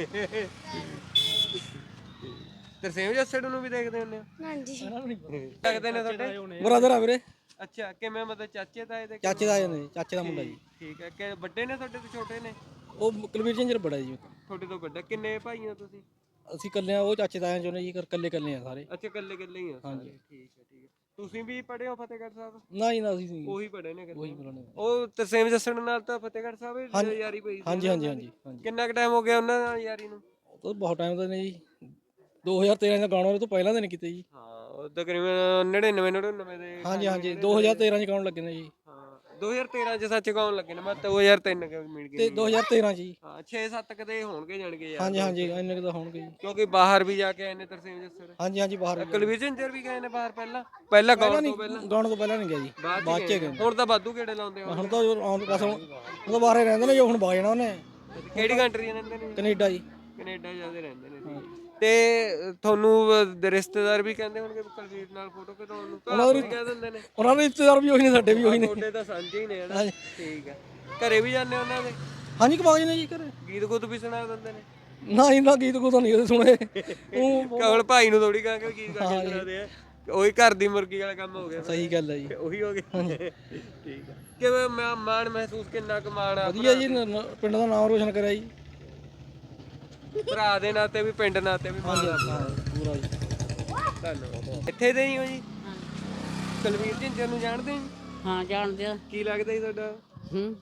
ਤਰਸੇਮ ਜੱਸੜ ਨੂੰ ਵੀ ਦੇਖਦੇ ਹੁੰਦੇ ਹੋ?
ਹਾਂਜੀ
ਇਹਨਾਂ ਨੂੰ ਨਹੀਂ ਪਤਾ।
ਲੱਗਦੇ ਨੇ ਤੁਹਾਡੇ?
ਬ੍ਰਦਰ ਆ ਵੀਰੇ,
ਅੱਛਾ, ਕਿਵੇਂ ਮਤਲਬ ਚਾਚੇ ਤਾਏ ਦੇ?
ਚਾਚੇ ਦਾ ਨੇ, ਚਾਚੇ ਦਾ ਮੁੰਡਾ ਜੀ।
ਠੀਕ ਹੈ, ਕਿ ਵੱਡੇ ਨੇ ਤੁਹਾਡੇ ਤੋਂ ਛੋਟੇ ਨੇ?
ਉਹ ਕੁਲਵੀਰ ਝੰਜਰ ਬੜਾ ਜੀ।
ਤੁਹਾਡੇ ਤੋਂ ਵੱਡਾ। ਕਿੰਨੇ ਭਾਈ ਹੋ ਤੁਸੀਂ?
ਅਸੀਂ ਇਕੱਲੇ ਆ, ਉਹ ਚਾਚੇ ਤਾਇਆਂ ਚੋਂ ਨੇ ਜੀ, ਇਕੱਲੇ ਇਕੱਲੇ ਆ ਸਾਰੇ।
ਅੱਛਾ, ਇਕੱਲੇ ਇਕੱਲੇ ਹੀ ਹੋ ਸਾਰੇ।
ਹਾਂਜੀ।
ਠੀਕ ਹੈ, ਠੀਕ ਹੈ। ਤੁਸੀਂ ਵੀ ਪੜ੍ਹੇ ਹੋ ਫਤਿਹਗੜ੍ਹ ਸਾਹਿਬ?
ਨਾ ਜੀ ਨਾ, ਅਸੀਂ ਨਹੀਂ।
ਉਹੀ ਪੜ੍ਹੇ ਨੇ
ਉਹੀ
ਇਕੱਲੇ?
ਬੁਲਾਣੇ।
ਉਹ ਤਰਸੇਮ ਜੱਸੜ ਨਾਲ ਤਾਂ ਫਤਿਹਗੜ੍ਹ ਸਾਹਿਬ ਹੀ ਯਾਰੀ ਪਈ ਸੀ?
ਹਾਂਜੀ ਹਾਂਜੀ ਹਾਂਜੀ ਹਾਂਜੀ।
ਕਿੰਨਾ ਕੁ ਟਾਈਮ ਹੋ ਗਿਆ ਉਹਨਾਂ ਨਾਲ ਯਾਰੀ ਨੂੰ?
ਉਹ ਬਹੁਤ ਟਾਈਮ ਦਾ ਨੇ ਜੀ, 2013 ਦਾ ਗਾਣਾ, ਉਹ ਤੋਂ ਪਹਿਲਾਂ ਦੇ ਨੇ ਕੀਤੇ ਜੀ।
ਹਾਂ, ਉਹ ਤਕਰੀਬਨ 99 ਦੇ।
ਹਾਂਜੀ ਹਾਂਜੀ, 2013 ਚ ਗਾਉਣ ਲੱਗੇ ਨੇ ਜੀ।
ਹਾਂ, 2013 ਚ ਸੱਚ ਗਾਉਣ ਲੱਗੇ ਨੇ। ਮੈਂ 2003 ਕੇ ਮਿਲ
ਤੇ
ਗਏ।
2013 ਚ ਜੀ।
ਹਾਂ, 6-7 ਕਦੇ ਹੋਣਗੇ ਜਾਣਗੇ ਯਾਰ।
ਹਾਂਜੀ ਹਾਂਜੀ, ਇੰਨੇ ਕੁ ਤਾਂ ਹੋਣਗੇ ਜੀ।
ਕਿਉਂਕਿ ਬਾਹਰ ਵੀ ਜਾ ਕੇ ਆਏ ਨੇ ਤਰਸੇਮ ਜੱਸੜ।
ਹਾਂਜੀ ਹਾਂਜੀ, ਬਾਹਰ
ਕੁਲਵੀਰ ਝੰਜਰ ਵੀ ਗਏ ਨੇ ਬਾਹਰ ਪਹਿਲਾਂ ਗਾਉਣ ਤੋਂ ਪਹਿਲਾਂ?
ਗਾਉਣ ਤੋਂ ਪਹਿਲਾਂ ਨਹੀਂ ਗਿਆ ਜੀ, ਬਾਅਦ ਚ ਗਏ।
ਹੁਣ ਤਾਂ ਵਾਧੂ ਕਿਹੜੇ ਲਾਉਂਦੇ ਹੋ?
ਹੁਣ ਤਾਂ ਆਉਣ ਬਸ, ਹੁਣ ਉਹ ਤਾਂ ਬਾਹਰ ਹੀ ਰਹਿੰਦੇ ਨੇ ਜੋ, ਹੁਣ ਵਗ ਜਾਣਾ ਉਹਨੇ।
ਕਿਹੜੀ ਕੰਟਰੀ ਰਹਿੰਦੇ ਨੇ?
ਕੈਨੇਡਾ ਜੀ।
ਕੈਨੇਡਾ ਜਾਂਦੇ ਰਹਿੰਦੇ ਨੇ। ਤੇ ਤੁਹਾਨੂੰ ਰਿਸ਼ਤੇਦਾਰ ਵੀ ਕਹਿੰਦੇ ਹੋਣਗੇ ਕੁਲਵੀਰ ਨਾਲ ਫੋਟੋ ਖਿਚਾਉਣ ਨੂੰ? ਘਰ ਵੀ ਕਹਿ ਦਿੰਦੇ ਨੇ?
ਉਹਨਾਂ ਦੇ ਰਿਸ਼ਤੇਦਾਰ ਵੀ ਉਹੀ ਨੇ, ਸਾਡੇ ਵੀ ਉਹੀ ਨੇ।
ਤੁਹਾਡੇ ਤਾਂ ਸਾਂਝੇ ਹੀ ਨੇ ਹਨਾ? ਠੀਕ ਆ। ਘਰੇ ਵੀ ਜਾਂਦੇ ਉਹਨਾਂ ਦੇ?
ਹਾਂਜੀ, ਕਮਾਜ ਨੇ ਜੀ ਘਰੇ।
ਗੀਤ ਗੁੱਤ ਵੀ ਸੁਣਾ ਦਿੰਦੇ ਨੇ?
ਨਾ ਇਹਨਾਂ ਗੀਤ ਕੋ ਤਾਂ ਨਹੀਂ ਉਹਦੇ ਸੁਣੇ। ਉਹ
ਕਵਲ ਭਾਈ ਨੂੰ ਥੋੜੀ ਕਹਾਂਗੇ ਗੀਤ ਗਾ ਕੇ ਸੁਣਾਦੇ ਆ। ਉਹੀ ਘਰ ਦੀ ਮੁਰਗੀ ਵਾਲਾ ਕੰਮ ਹੋ ਗਿਆ।
ਸਹੀ ਗੱਲ ਹੈ ਜੀ।
ਉਹੀ ਹੋ ਗਿਆ। ਠੀਕ ਆ। ਕਿਵੇਂ ਮਾਣ ਮਹਿਸੂਸ, ਕਿੰਨਾ ਕੁ ਮਾਣ ਆ?
ਵਧੀਆ ਜੀ, ਪਿੰਡ ਦਾ ਨਾਮ ਰੋਸ਼ਨ ਕਰਿਆ ਜੀ।
ਭਰਾ ਦੇ ਨਾਤੇ ਵੀ, ਪਿੰਡ ਨਾਤੇ ਵੀ ਮਾਣ ਆ।
ਪੂਰਾ ਜੀ।
ਧੰਨਵਾਦ। ਇੱਥੇ ਦੇ ਹੀ ਹੋ ਜੀ? ਕੁਲਵੀਰ ਝਿੰਜਰ ਨੂੰ ਜਾਣਦੇ ਜੀ?
ਹਾਂ ਜਾਣਦੇ ਆ।
ਕੀ ਲੱਗਦਾ ਜੀ ਤੁਹਾਡਾ?
ਹੂੰ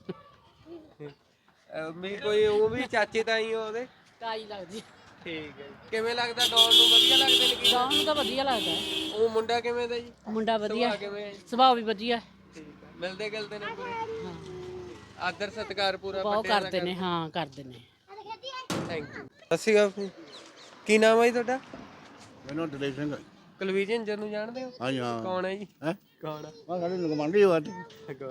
ਵੀ ਕੋਈ ਉਹ ਵੀ ਚਾਚੇ ਤਾਈ ਹੋ ਉਹਦੇ?
ਤਾਈ ਲੱਗਦੀ।
ਠੀਕ ਹੈ ਜੀ। ਕਿਵੇਂ ਲੱਗਦਾ ਗਾਉਣ ਨੂੰ? ਵਧੀਆ ਲੱਗਦੇ ਨੇ ਗੀਤ?
ਗਾਉਣ ਨੂੰ ਤਾਂ ਵਧੀਆ ਲੱਗਦਾ ਹੈ।
ਉਹ ਮੁੰਡਾ ਕਿਵੇਂ ਦਾ ਜੀ?
ਮੁੰਡਾ ਵਧੀਆ,
ਸੁਭਾਅ ਕਿਵੇਂ ਹੈ ਜੀ?
ਸੁਭਾਅ ਵੀ ਵਧੀਆ।
ਠੀਕ ਹੈ। ਮਿਲਦੇ ਗਿਲਦੇ ਨੇ ਪੂਰੇ?
ਹਾਂ
ਆਦਰ ਸਤਿਕਾਰ ਪੂਰਾ
ਬਹੁਤ
ਵੱਡਿਆਂ ਦਾ
ਕਰਦੇ ਨੇ। ਹਾਂ ਕਰਦੇ ਨੇ।
Thank you. ਸਤਿ ਸ਼੍ਰੀ ਅਕਾਲ। ਕੀ ਨਾਮ ਹੈ ਜੀ ਤੁਹਾਡਾ?
ਮੈਨੂੰ ਦਲੇਪ ਸਿੰਘ।
ਕੁਲਵੀਰ ਝਿੰਜਰ ਨੂੰ ਜਾਣਦੇ ਹੋ?
ਹਾਂਜੀ ਹਾਂ।
ਕੌਣ ਹੈ ਜੀ?
ਹੈ
ਕੌਣ ਆ?
ਸਾਡੇ ਗਵਾਂਢੀ ਹੋ ਅੱਜ।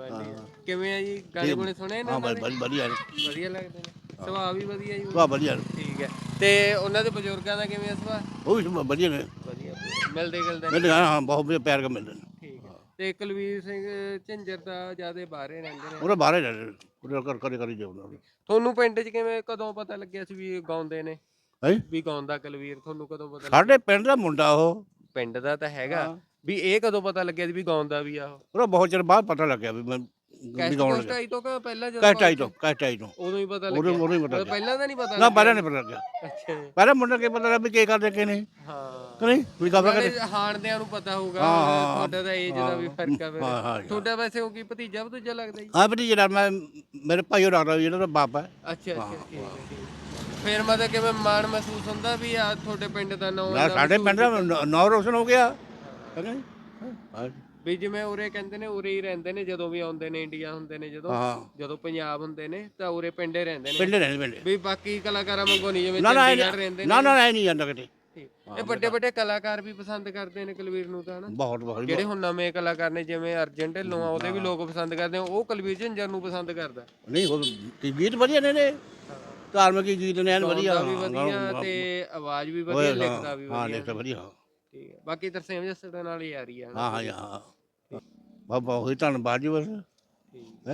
ਕਿਵੇਂ ਹੈ ਜੀ? ਗਾਣੇ ਗੁਣੇ ਸੁਣੇ ਨੇ?
ਹਾਂ,
ਉਹਨਾਂ ਦੇ?
ਵਧੀਆ ਨੇ।
ਵਧੀਆ ਲੱਗਦੇ ਨੇ। ਸੁਭਾਅ ਵੀ ਵਧੀਆ ਜੀ?
ਵਾਹ, ਵਧੀਆ ਨੇ।
ਠੀਕ ਹੈ। ਤੇ ਉਹਨਾਂ ਦੇ ਬਜ਼ੁਰਗਾਂ ਦਾ ਕਿਵੇਂ ਸੁਭਾਅ?
ਉਹ ਵੀ ਵਧੀਆ ਨੇ।
ਵਧੀਆ। ਮਿਲਦੇ ਗਿਲਦੇ ਨੇ?
ਮਿਲਦੇ ਹਾਂ, ਬਹੁਤ ਵਧੀਆ ਪਿਆਰ ਕਰ ਮਿਲਦੇ ਨੇ।
ਠੀਕ ਹੈ। ਤੇ ਕੁਲਵੀਰ ਸਿੰਘ ਝਿੰਜਰ ਦਾ ਜਿਆਦਾ ਬਾਹਰੇ ਰਹਿੰਦੇ ਨੇ?
ਉਹਦੇ ਬਾਹਰ ਰਹਿੰਦੇ ਨੇ, ਉਹਦੇ ਕਰੀ ਜਾਉਂਦਾ।
ਤੁਹਾਨੂੰ ਪਿੰਡ 'ਚ ਕਿਵੇਂ, ਕਦੋਂ ਪਤਾ ਲੱਗਿਆ ਸੀ ਵੀ ਇਹ ਗਾਉਂਦੇ ਨੇ?
ਹੈ
ਵੀ ਗਾਉਂਦਾ ਕੁਲਵੀਰ? ਤੁਹਾਨੂੰ ਕਦੋਂ ਪਤਾ ਲੱਗਿਆ?
ਸਾਡੇ ਪਿੰਡ ਦਾ ਮੁੰਡਾ ਉਹ।
ਪਿੰਡ ਦਾ ਤਾਂ ਹੈਗਾ। ਵੀ ਇਹ ਕਦੋਂ ਪਤਾ ਲੱਗਿਆ ਸੀ ਵੀ ਗਾਉਂਦਾ ਵੀ ਆ ਉਹ?
ਉਹਦਾ ਬਹੁਤ ਚਿਰ ਬਾਅਦ ਪਤਾ ਲੱਗਿਆ ਵੀ ਮੈਂ
ਕੈਸਟ
ਗਾਉਣ
ਕੋਸਟ
ਲੱਗਾ।
ਆਈ ਤੋਂ ਕਿ ਪਹਿਲਾਂ ਜਦੋਂ?
ਕੈਸਟਾਈ ਤੋਂ।
ਉਦੋਂ ਹੀ ਪਤਾ
ਉਦੋਂ
ਲੱਗਿਆ?
ਹੀ ਪਤਾ ਲੱਗਿਆ।
ਪਹਿਲਾਂ ਤਾਂ ਨਹੀਂ ਪਤਾ
ਨਾ,
ਲੱਗਿਆ?
ਪਹਿਲਾਂ ਨਹੀਂ ਪਤਾ ਲੱਗਿਆ।
ਅੱਛਾ ਜੀ।
ਪਹਿਲਾਂ ਮੁੰਡਾ ਕੀ ਪਤਾ ਲੱਗਾ ਵੀ ਕੀ ਕਰਦੇ ਕਿ ਨਹੀਂ।
ਹਾਂ।
ਕਿ ਨਹੀਂ ਵੀ ਕਬਰ
ਨਾਲੇ
ਕਰੇ।
ਹਾਣਦਿਆਂ ਨੂੰ ਪਤਾ ਹੋਊਗਾ।
ਹਾਂ।
ਤੁਹਾਡਾ ਤਾਂ ਏਜ ਦਾ ਵੀ ਫਰਕ ਆ ਫਿਰ।
ਹਾਂ।
ਤੁਹਾਡਾ ਵੈਸੇ ਉਹ ਕੀ ਭਤੀਜਾ ਭਤੂਜਾ ਲੱਗਦਾ ਜੀ?
ਹਾਂ ਵੀ ਜਿਹੜਾ ਮੇਰੇ ਭਾਈ ਉਹ ਲੱਗਦਾ ਜਿਹੜਾ ਬਾਪ ਹੈ।
ਅੱਛਾ ਅੱਛਾ, ਠੀਕ ਹੈ, ਠੀਕ ਹੈ। ਫਿਰ ਮਤਲਬ ਕਿਵੇਂ ਮਾਣ ਮਹਿਸੂਸ ਹੁੰਦਾ ਵੀ ਆ ਤੁਹਾਡੇ ਪਿੰਡ ਦਾ ਨਾਮ?
ਨਾ, ਸਾਡੇ ਪਿੰਡ ਦਾ ਨਾਂ ਰੋਸ਼ਨ ਹੋ ਗਿਆ। ਹੈ ਕਿ ਨਹੀਂ? ਹਾਂ।
ਵੀ ਜਿਵੇਂ ਉਰੇ ਕਹਿੰਦੇ ਨੇ, ਉਰੇ ਹੀ ਰਹਿੰਦੇ ਨੇ ਜਦੋਂ ਵੀ ਆਉਂਦੇ ਨੇ, ਇੰਡੀਆ ਹੁੰਦੇ ਨੇ
ਹਾਂ।
ਜਦੋਂ ਪੰਜਾਬ ਹੁੰਦੇ ਨੇ ਤਾਂ ਉਰੇ ਪਿੰਡੇ ਰਹਿੰਦੇ ਨੇ?
ਪਿੰਡ ਰਹਿੰਦੇ ਪਿੰਡ।
ਵੀ ਬਾਕੀ ਕਲਾਕਾਰਾਂ ਵਾਂਗੂ ਨਹੀਂ ਜਿਵੇਂ
ਨਾ
ਚੰਡੀਗੜ੍ਹ ਰਹਿੰਦੇ ਨੇ?
ਨਾ ਐ ਨਹੀਂ ਜਾਂਦਾ ਕਿਤੇ।
ਇਹ ਵੱਡੇ ਵੱਡੇ ਕਲਾਕਾਰ ਵੀ ਪਸੰਦ ਕਰਦੇ ਨੇ ਕੁਲਵੀਰ ਨੂੰ ਤਾਂ ਹਨਾ?
ਬਹੁਤ
ਜਿਹੜੇ ਹੁਣ ਨਵੇਂ ਕਲਾਕਾਰ ਨੇ ਜਿਵੇਂ ਅਰਜਨ ਢਿੱਲੋਂ ਆ, ਉਹਦੇ ਵੀ ਲੋਕ ਪਸੰਦ ਕਰਦੇ ਆ। ਉਹ ਕੁਲਵੀਰ ਝਿੰਜਰ ਨੂੰ ਪਸੰਦ ਕਰਦਾ?
ਨਹੀਂ, ਉਹ ਗੀਤ ਵਧੀਆ ਨੇ ਧਾਰਮਿਕ ਗੀਤ ਨੇ, ਐਨ ਵਧੀਆ।
ਗਾਉਂਦਾ ਵੀ ਵਧੀਆ ਤੇ ਆਵਾਜ਼ ਵੀ ਵਧੀਆ, ਲਿਖਦਾ ਵੀ
ਹਾਂ,
ਵਧੀਆ।
ਲਿਖਦਾ ਵਧੀਆ।
ਠੀਕ ਹੈ। ਬਾਕੀ ਤਰਸੇਮ ਜੱਸੜ ਦੇ ਨਾਲ ਹੀ ਯਾਰੀ ਆ।
ਹਾਂ ਹਾਂ। ਬਾਬਾ ਉਹੀ ਧੰਨਵਾਦ ਜੀ ਬਸ। ਹੈ।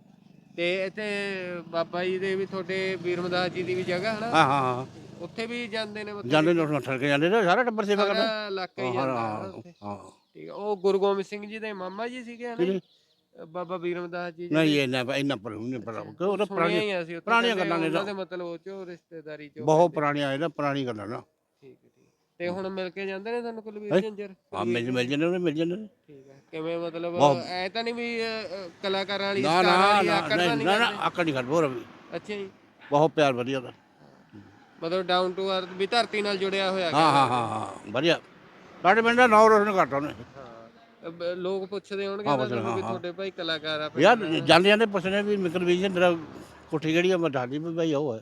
ਤੇ ਇੱਥੇ ਬਾਬਾ ਜੀ ਦੇ ਵੀ, ਤੁਹਾਡੇ ਵੀਰਮਦਾਸ ਜੀ ਦੀ ਵੀ ਜਗ੍ਹਾ ਹੈ ਨਾ?
ਹਾਂ ਹਾਂ।
ਉੱਥੇ ਵੀ ਜਾਂਦੇ ਨੇ ਮਤਲਬ?
ਜਾਂਦੇ ਨੇ, ਠਰ ਕੇ ਜਾਂਦੇ ਨੇ, ਸਾਰਾ ਟੱਬਰ ਸੇਵਾ ਕਰਦਾ।
ਸਾਰਾ ਇਲਾਕਾ ਹੀ ਜਾਂਦਾ ਹੈ ਉੱਥੇ?
ਹਾਂ।
ਠੀਕ ਹੈ। ਉਹ ਗੁਰੂ ਗੋਬਿੰਦ ਸਿੰਘ ਜੀ ਦੇ ਮਾਮਾ ਜੀ ਸੀਗੇ ਹਨਾ? ਬਾਬਾ ਵੀਰਮਦਾਸ ਜੀ?
ਨਹੀਂ, ਇੰਨਾ ਪਰ ਨਹੀਂ ਪਤਾ ਕਿ ਉਹ ਤਾਂ
ਸੁਣਿਆ ਹੀ ਅਸੀਂ ਉੱਥੇ,
ਪੁਰਾਣੀਆਂ ਗੱਲਾਂ ਨੇ।
ਉਹਨਾਂ ਦੇ ਮਤਲਬ ਉਹ ਚੋਂ ਰਿਸ਼ਤੇਦਾਰੀ ਚੋਂ
ਬਹੁਤ ਪੁਰਾਣੀਆਂ ਇਹਦਾ ਪੁਰਾਣੀ ਗੱਲਾਂ ਨਾ।
ਠੀਕ ਹੈ, ਠੀਕ। ਤੇ ਹੁਣ ਮਿਲ ਕੇ ਜਾਂਦੇ ਨੇ ਤੁਹਾਨੂੰ ਕੁਲਵੀਰ ਝਿੰਜਰ?
ਹਾਂ, ਮਿਲ ਜਾਂਦੇ ਨੇ, ਮਿਲ ਜਾਂਦੇ ਨੇ।
ਠੀਕ ਹੈ। ਕਿਵੇਂ ਮਤਲਬ ਐ ਤਾਂ ਨਹੀਂ ਵੀ ਕਲਾਕਾਰਾਂ ਵਾਲੀ
ਨਾ
ਸਟਾਰਾਂ
ਨਾ
ਵਾਲੀ ਆਕੜ ਤਾਂ ਨਹੀਂ
ਨਾ
ਕਰਦੇ?
ਆਕੜ ਨਹੀਂ ਕਰਦੇ। ਹੋਰ ਵੀ
ਅੱਛਾ ਜੀ।
ਬਹੁਤ ਪਿਆਰ ਵਧੀਆ ਦਾ।
ਮਤਲਬ ਡਾਊਨ ਟੂ ਅਰਥ ਵੀ, ਧਰਤੀ ਨਾਲ ਜੁੜਿਆ ਹੋਇਆ।
ਹਾਂ ਵਧੀਆ। ਸਾਡੇ ਪਿੰਡ ਦਾ ਨਾਂ ਰੋਸ਼ਨ ਕਰਤਾ ਉਹਨੇ।
ਲੋਕ ਪੁੱਛਦੇ ਹੋਣਗੇ ਤੁਹਾਨੂੰ ਵੀ ਤੁਹਾਡੇ ਭਾਈ ਕਲਾਕਾਰ ਆ?
ਯਾਰ ਜਾਂਦੇ ਜਾਂਦੇ ਪੁੱਛਣੇ ਵੀ ਕੁਲਵੀਰ ਤੇਰਾ ਕੋਠੀ ਕਿਹੜੀ ਆ? ਮੈਂ ਦੱਸਦੀ ਵੀ ਭਾਈ ਉਹ ਹੈ।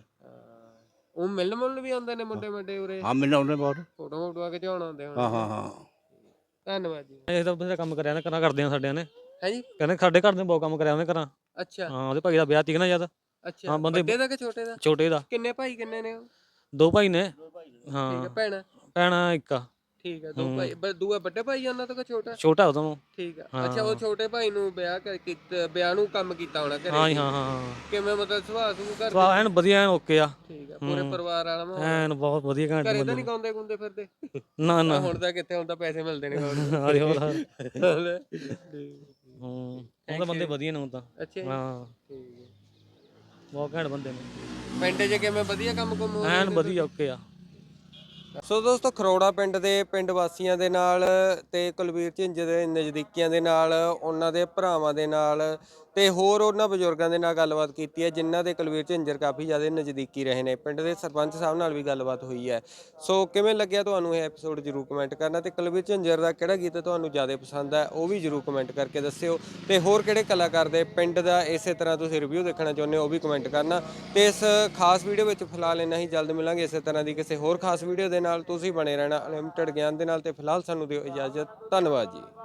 ਉਹ ਮਿਲਣ ਮੁਲਣ ਵੀ ਆਉਂਦੇ ਨੇ ਮੁੰਡੇ ਮੁੰਡੇ ਉਰੇ?
ਹਾਂ, ਮਿਲਣ ਆਉਂਦੇ ਬਹੁਤ।
ਫੋਟੋ ਫੋਟੋਆਂ ਖਿਚਾਉਣ ਆਉਂਦੇ ਹੋਣ?
ਹਾਂ।
ਧੰਨਵਾਦ ਜੀ।
ਇਹ ਤਾਂ ਬਥੇਰਾ ਕੰਮ ਕਰਿਆ ਨੇ, ਕਰਾਂ ਕਰਦੇ ਆ ਸਾਡਿਆਂ ਨੇ।
ਹੈ ਜੀ?
ਕਹਿੰਦੇ ਸਾਡੇ ਘਰ ਦੇ ਬਹੁਤ ਕੰਮ ਕਰਿਆ ਉਹਨੇ ਕਰਾਂ।
ਅੱਛਾ।
ਹਾਂ, ਉਹਦੇ ਭਾਈ ਦਾ ਵਿਆਹ ਤੀਕ ਨਾ ਜਦ।
ਅੱਛਾ।
ਹਾਂ, ਬੰਦੇ
ਵੱਡੇ ਦਾ ਕਿ ਛੋਟੇ ਦਾ?
ਛੋਟੇ ਦਾ।
ਕਿੰਨੇ ਭਾਈ ਕਿੰਨੇ ਨੇ ਉਹ?
2 ਭਾਈ ਨੇ।
ਠੀਕ ਹੈ।
ਹਾਂ,
ਭੈਣ?
ਭੈਣ ਇੱਕ ਆ।
ਠੀਕ ਆ, 2 ਭਾਈ ਦੂਆ ਵੱਡਾ ਭਾਈ ਉਹਨਾਂ ਤੋਂ ਕਿ ਛੋਟਾ?
ਛੋਟਾ ਉਦੋਂ
ਠੀਕ ਆ। ਅੱਛਾ, ਉਹ ਛੋਟੇ ਭਾਈ ਨੂੰ ਵਿਆਹ ਨੂੰ ਕੰਮ ਕੀਤਾ ਹੋਣਾ ਘਰੇ?
ਹਾਂ ਜੀ, ਹਾਂ
ਕਿਵੇਂ ਮਤਲਬ ਸੁਭਾਅ ਸੁਭੂ ਘਰ
ਸਵਾ ਐਨ ਵਧੀਆ ਐਨ ਓਕੇ ਆ
ਠੀਕ ਆ, ਪੂਰੇ ਪਰਿਵਾਰ ਵਾਲਾ ਮਾਹੌਲ?
ਐਨ ਬਹੁਤ ਵਧੀਆ ਘੈਂਟ
ਘਰੇ ਤਾਂ
ਬੰਦੇ
ਨਹੀਂ ਗਾਉਂਦੇ ਗੁੰਦੇ ਫਿਰਦੇ?
ਨਾ ਨਾ
ਹੁਣ ਤਾਂ ਕਿੱਥੇ, ਹੁਣ ਤਾਂ ਪੈਸੇ ਮਿਲਦੇ ਨੇ ਗਾਉਣ ਨੂੰ।
ਅਰੇ ਹੋਰ
ਠੀਕ
ਉਹ ਤਾਂ ਬੰਦੇ ਵਧੀਆ ਨੇ ਹੁਣ ਤਾਂ
ਅੱਛਾ ਜੀ,
ਹਾਂ
ਠੀਕ ਹੈ।
ਬਹੁਤ ਘੈਂਟ ਬੰਦੇ ਨੇ
ਪਿੰਡ 'ਚ ਕਿਵੇਂ ਵਧੀਆ ਕੰਮ ਕੁੰਮ ਹੋ ਰਿਹਾ?
ਐਨ ਵਧੀਆ ਓਕੇ ਆ।
ਸੋ ਦੋਸਤੋ, ਖਰੋੜਾ ਪਿੰਡ ਦੇ ਪਿੰਡ ਵਾਸੀਆਂ ਦੇ ਨਾਲ ਤੇ ਕੁਲਵੀਰ ਝਿੰਜਰ ਦੇ ਨਜ਼ਦੀਕੀਆਂ ਦੇ ਨਾਲ, ਉਹਨਾਂ ਦੇ ਭਰਾਵਾਂ ਦੇ ਨਾਲ ਤੇ ਹੋਰ ਉਹਨਾਂ ਬਜ਼ੁਰਗਾਂ ਦੇ ਨਾਲ ਗੱਲਬਾਤ ਕੀਤੀ ਹੈ ਜਿਨ੍ਹਾਂ ਦੇ ਕੁਲਵੀਰ ਝਿੰਜਰ ਕਾਫੀ ਜ਼ਿਆਦਾ ਨਜ਼ਦੀਕੀ ਰਹੇ ਨੇ। ਪਿੰਡ ਦੇ ਸਰਪੰਚ ਸਾਹਿਬ ਨਾਲ ਵੀ ਗੱਲਬਾਤ ਹੋਈ ਹੈ। ਸੋ ਕਿਵੇਂ ਲੱਗਿਆ ਤੁਹਾਨੂੰ ਇਹ ਐਪੀਸੋਡ ਜ਼ਰੂਰ ਕਮੈਂਟ ਕਰਨਾ, ਤੇ ਕੁਲਵੀਰ ਝਿੰਜਰ ਦਾ ਕਿਹੜਾ ਗੀਤ ਤੁਹਾਨੂੰ ਜ਼ਿਆਦਾ ਪਸੰਦ ਹੈ ਉਹ ਵੀ ਜ਼ਰੂਰ ਕਮੈਂਟ ਕਰਕੇ ਦੱਸਿਓ। ਤੇ ਹੋਰ ਕਿਹੜੇ ਕਲਾਕਾਰ ਦੇ ਪਿੰਡ ਦਾ ਇਸੇ ਤਰ੍ਹਾਂ ਤੁਸੀਂ ਰਿਵਿਊ ਦੇਖਣਾ ਚਾਹੁੰਦੇ ਹੋ ਉਹ ਵੀ ਕਮੈਂਟ ਕਰਨਾ। ਤੇ ਇਸ ਖਾਸ ਵੀਡੀਓ ਵਿੱਚ ਫਿਲਹਾਲ ਇੰਨਾ ਹੀ, ਜਲਦ ਮਿਲਾਂਗੇ ਇਸੇ ਤਰ੍ਹਾਂ ਦੀ ਕਿਸੇ ਹੋਰ ਖਾਸ ਵੀਡੀਓ ਦੇ ਨਾਲ। ਤੁਸੀਂ ਬਣੇ ਰਹਿਣਾ ਅਨਲਿਮਟਿਡ ਗਿਆਨ ਦੇ ਨਾਲ, ਤੇ ਫਿਲਹਾਲ ਸਾਨੂੰ ਦਿਓ ਇਜਾਜ਼ਤ। ਧੰਨਵਾਦ ਜੀ।